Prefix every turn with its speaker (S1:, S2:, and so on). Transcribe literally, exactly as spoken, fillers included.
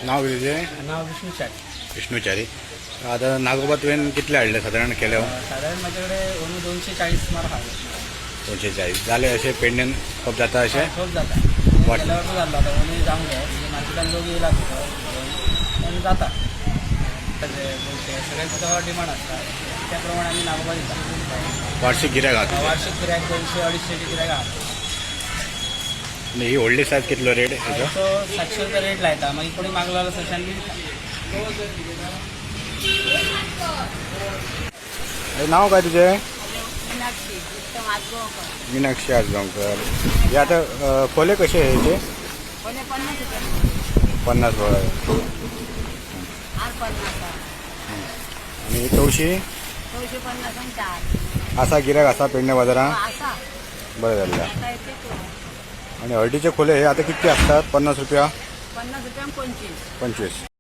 S1: नाव किती
S2: नाव विष्णूचारी.
S1: विष्णूचारी. आता नागोबा तुवें कितले हाडले साधारण केले?
S2: साधारण माझ्याकडे ओनू दोनशे चाळीस मार हाडले.
S1: दोनशे चाळीस जाले असे पेंडेन खूप जाता असे
S2: खूप जाता
S1: वाट-
S2: गेल्या वर्षी झालं आता ओनू जाऊन घ्या म्हणजे मार्केटात लोक येयला पण जाता सगळ्यांचं तेव्हा डिमांड असतात त्याप्रमाणे आम्ही नागोबा दिता.
S1: वार्षिक गिऱ्हाईक आहात
S2: वार्षिक गिऱ्हाईक दोनशे अडीचशेची गिऱ्हाईक आहात.
S1: आणि ही व्हडली सायज कितलो रेट याचो?
S2: तो सातशे रुपये रेट लायता मागीर कोणी मागलो जाल्यार सशान बी दिता.
S1: हे नाव काय तुझे?
S3: मीनाक्षी उत्तम आजगावकर.
S1: मीनाक्षी आजगावकर. हे आता अ, खोले कसे आहे याचे?
S3: कोणी पन्नास रुपये
S1: पन्नास बरं.
S3: आठ पन्नास
S1: आणि ही चौशी
S3: दोनशे पन्नास आणि चार
S1: असा गिऱ्हाईक असा पेंडे बाजारात
S3: असा
S1: बरं झालं.
S3: आता येते तो
S1: आणि हळदीचे खोले हे आता किती असतात? पन्नास रुपया
S3: पन्नास रुपये पंचवीस.
S1: पंचवीस.